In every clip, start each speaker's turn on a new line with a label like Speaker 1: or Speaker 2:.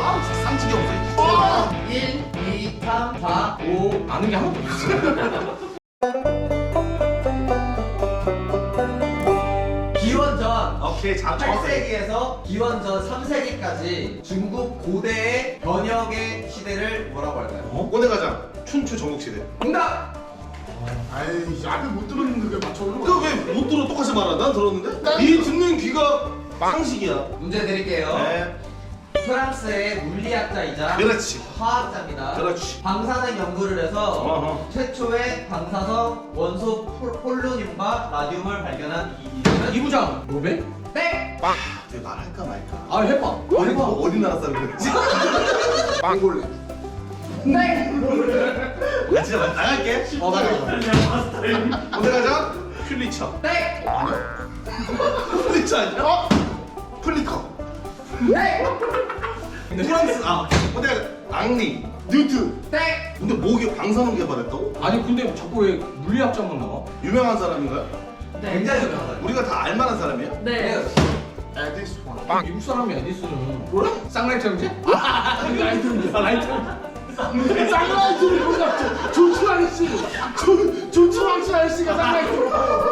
Speaker 1: 아 상식이 없어.
Speaker 2: 1, 2, 3, 4, 5.
Speaker 3: 아는 게 하나도 없어.
Speaker 2: 기원전
Speaker 1: 오케이 자
Speaker 2: 8세기에서 기원전 3세기까지 중국 고대의 번역의 시대를 뭐라고 할까요?
Speaker 1: 꺼내가자. 춘추 전국시대.
Speaker 2: 정답!
Speaker 4: 아이 앞에 못 들었는데 왜 맞춰?
Speaker 1: 그왜못 들어 똑같이 말하? 난 들었는데. 이 듣는 귀가 상식이야.
Speaker 2: 문제 드릴게요.
Speaker 1: 네.
Speaker 2: 프랑스의 물리학자이자
Speaker 1: 그렇지.
Speaker 2: 화학자입니다.
Speaker 1: 그렇지.
Speaker 2: 방사능 연구를 해서
Speaker 1: 어허.
Speaker 2: 최초의 방사성 원소 폴로늄과 라듐을 발견한 이 이름은
Speaker 3: 이부장 노벨?
Speaker 2: 땡!
Speaker 1: 내가 말할까 말까.
Speaker 3: 아 해봐.
Speaker 1: 어디 나라 사람이지?
Speaker 4: 몽골레.
Speaker 2: 땡!
Speaker 1: 나 진짜 나갈게. 꺼내가자. 퓰리처.
Speaker 2: 땡!
Speaker 1: 퓰리처 아니야? 플리커.
Speaker 2: 땡!
Speaker 1: 프랑스 꺼내가자. 앙리.
Speaker 4: 뉴트.
Speaker 2: 땡!
Speaker 1: 근데 뭐게 방사능 개발했다고?
Speaker 3: 아니 근데 자꾸 왜 물리학자만 나와?
Speaker 1: 유명한 사람인가요?
Speaker 2: 굉장히 유명하다.
Speaker 1: 우리가 다 알만한 사람이에요?
Speaker 2: 네.
Speaker 4: 에디스원.
Speaker 3: 미국 사람이 에디슨은 뭐라? 쌍라이트 형제? 라이트 형제. 라이트 형제.
Speaker 4: 쌍라이트를 몰라. 조추랑 씨. 조추랑 씨 아저씨가 쌍라이트.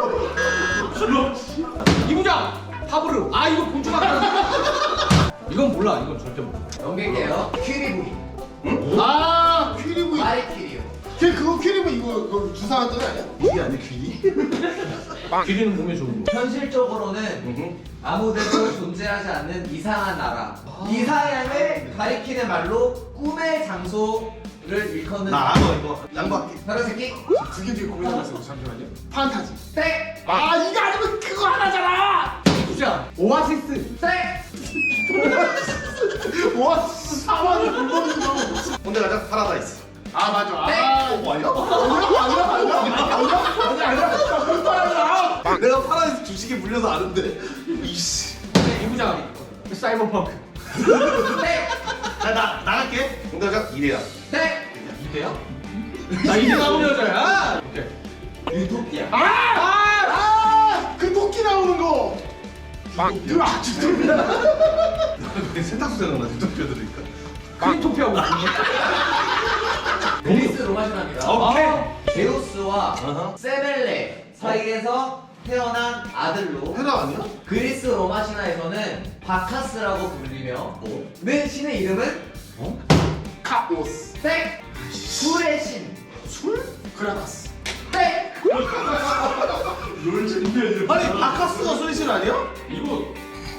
Speaker 3: 이부장 파브르. 아 이거 곤충 같다. 이건 몰라. 이건 절대 몰라.
Speaker 2: 넘길게요. 퀴리부기.
Speaker 4: 아 퀴리브.
Speaker 2: 마리 퀴리요.
Speaker 4: 걔 그거 퀴리브 이거 그 주사하던 애 아니야?
Speaker 1: 이게 아니 귀?
Speaker 3: 길이는 몸에 좋은 거.
Speaker 2: 현실적으로는 아무데도 존재하지 않는 이상한 나라. 이상함을 가리키는 말로 꿈의 장소를 일컫는
Speaker 1: 나 알아 이거. 양보할게.
Speaker 2: 다른 새끼?
Speaker 4: 그게 되게 고민하고 있어. 잠시만요. 판타지.
Speaker 2: 땡!
Speaker 4: 아 이거 아니면 그거 하나잖아.
Speaker 3: 이부장 오아시스.
Speaker 2: 땡!
Speaker 4: 와 사막을 굶어는 거.
Speaker 1: 꺼내가자. 파라다이스.
Speaker 4: 아 맞아. 아
Speaker 1: 아니야?
Speaker 4: 아니야.
Speaker 1: 내가 파라다이스 주식에 물려서 아는데. 이씨.
Speaker 3: 이부장 사이버펑크.
Speaker 2: 땡!
Speaker 1: 자, 나갈게. 꺼내가자. 이래야.
Speaker 2: 땡!
Speaker 3: 이대야? 나 이대 나온 여자야. 오케이.
Speaker 2: 유토피아.
Speaker 4: 그 토끼 나오는 거. 이거 아주
Speaker 1: 세탁소 생각나. 유토피아 들으니까.
Speaker 3: 크리토피아고 있네.
Speaker 2: 그리스 로마 신화입니다.
Speaker 1: 오케이.
Speaker 2: 제우스와
Speaker 1: 어허.
Speaker 2: 세벨레 사이에서 태어난 아들로
Speaker 1: 헤라 아니야?
Speaker 2: 그리스 로마 신화에서는 바카스라고 불리며 는 신의 이름은
Speaker 4: 카오스.
Speaker 2: 땡! 술의 신.
Speaker 4: 술? 크라다스.
Speaker 2: 땡!
Speaker 1: 아니 바카스가 소리신 아니야?
Speaker 3: 이거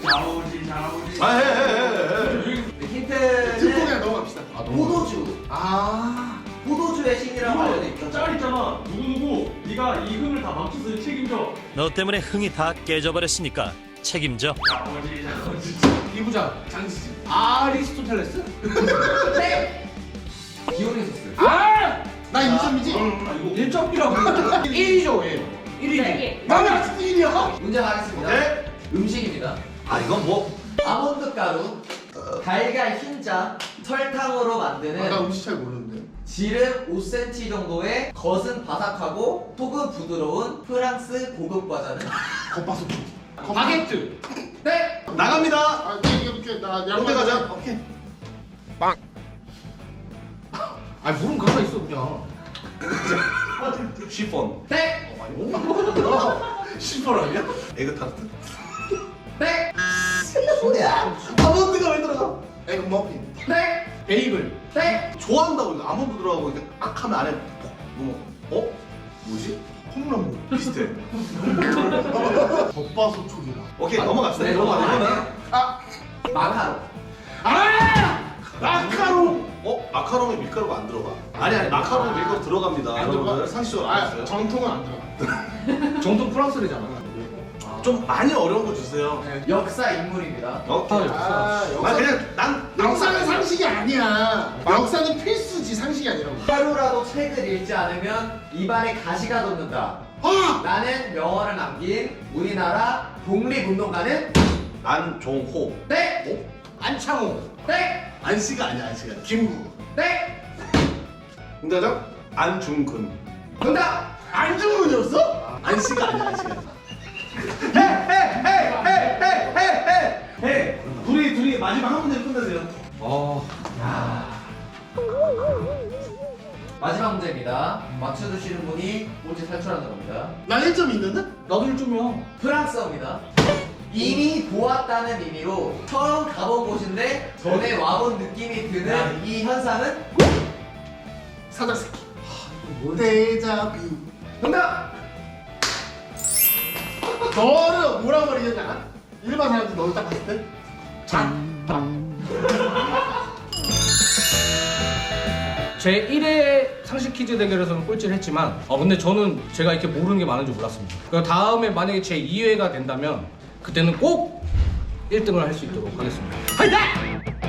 Speaker 1: 해.
Speaker 4: 듣고
Speaker 2: 힌트는
Speaker 4: 그냥 넘어갑시다.
Speaker 2: 포도주.
Speaker 4: 아.
Speaker 2: 포도주의 신이라고 알려져 있죠.
Speaker 5: 짤 있잖아. 누구누구 네가 이 흥을 다 망쳐서 책임져.
Speaker 6: 너 때문에 흥이 다 깨져버렸으니까 책임져.
Speaker 3: 이부장 장지지. 아리스토텔레스?
Speaker 2: 땡! 디오니소스.
Speaker 3: 아!
Speaker 4: 나 인삼이지?
Speaker 3: 1.1이라고. 1이죠 1. 1이지.
Speaker 4: 나는 아직도 1이야.
Speaker 2: 문제 가겠습니다.
Speaker 1: 네.
Speaker 2: 음식입니다.
Speaker 1: 아 이건 뭐?
Speaker 2: 아몬드 가루, 달걀 흰자, 설탕으로
Speaker 4: 나
Speaker 2: 만드는
Speaker 4: 음식 잘 모르는데.
Speaker 2: 지름 5cm 정도의 겉은 바삭하고 속은 부드러운 프랑스 고급 과자는
Speaker 4: 겉바속.
Speaker 3: 바게트.
Speaker 2: 네!
Speaker 1: 나갑니다.
Speaker 4: 아, 이게 나
Speaker 1: 양대 가자. 오케이.
Speaker 3: 아 물은 가만 있어 그냥.
Speaker 1: 쉬폰.
Speaker 2: 네!
Speaker 1: 쉬폰 아니야? 에그타르트.
Speaker 2: 네!
Speaker 1: 아몬드가 왜 들어가?
Speaker 4: 에그 머핀.
Speaker 2: 네!
Speaker 3: 베이글.
Speaker 2: 네!
Speaker 1: 좋아한다고 이거 아몬드 들어가고 이렇게 악 하면 안에 뭐 뭐지? 콩나물 비슷해.
Speaker 4: 겉바속 촉이라.
Speaker 1: 오케이 넘어갑시다.
Speaker 2: 네,
Speaker 1: 넘어가.
Speaker 2: 넘어갈게요.
Speaker 4: 아.
Speaker 2: 마카롱.
Speaker 4: 아! 마카롱.
Speaker 1: 마카롱에 밀가루가 안 들어가? 아니 마카롱에 밀가루 들어갑니다.
Speaker 4: 안 들어가?
Speaker 1: 여러분들 상식적으로
Speaker 4: 아,
Speaker 1: 알았어요?
Speaker 4: 정통은 안 들어가.
Speaker 3: 정통 프랑스래잖아.
Speaker 1: 좀 많이 어려운 거 주세요.
Speaker 2: 역사 인물입니다.
Speaker 1: 오케이.
Speaker 4: 아,
Speaker 1: 난 그냥 난
Speaker 4: 역사는 상식이 아니야. 역사는 필수지 상식이 아니라고.
Speaker 2: 하루라도 책을 읽지 않으면 입안에 가시가 돋는다.
Speaker 4: 아!
Speaker 2: 라는 명언을 남긴 우리나라 독립운동가는
Speaker 1: 안종호.
Speaker 2: 네!
Speaker 3: 안창호.
Speaker 2: 네!
Speaker 1: 안씨가 아니야 안씨가.
Speaker 4: 김구.
Speaker 2: 네!
Speaker 1: 응답장 안중근.
Speaker 2: 정답!
Speaker 4: 안중근이었어?
Speaker 1: 안씨가 아니야 안씨가. 둘이 마지막 한 문제 끝내세요.
Speaker 2: 마지막 문제입니다. 맞춰주시는 분이 꼴찌 탈출하는 겁니다.
Speaker 4: 나 1점 있는데?
Speaker 3: 나도 1점이야.
Speaker 2: 프랑스어입니다. 이미 보았다는 의미로 처음 가본 곳인데 전에 와본 느낌이 드는 이 현상은?
Speaker 4: 사자새끼. 데자뷰.
Speaker 2: 정답!
Speaker 4: 너를 뭐라고 버리겠냐? 일반 사람들 너를 딱 봤을 때
Speaker 3: 제 1회 상식 퀴즈 대결에서는 꼴찌를 했지만 근데 저는 제가 이렇게 모르는 게 많은 줄 몰랐습니다. 그러니까 다음에 만약에 제 2회가 된다면 그때는 꼭 1등을 할 수 있도록 하겠습니다. 화이팅!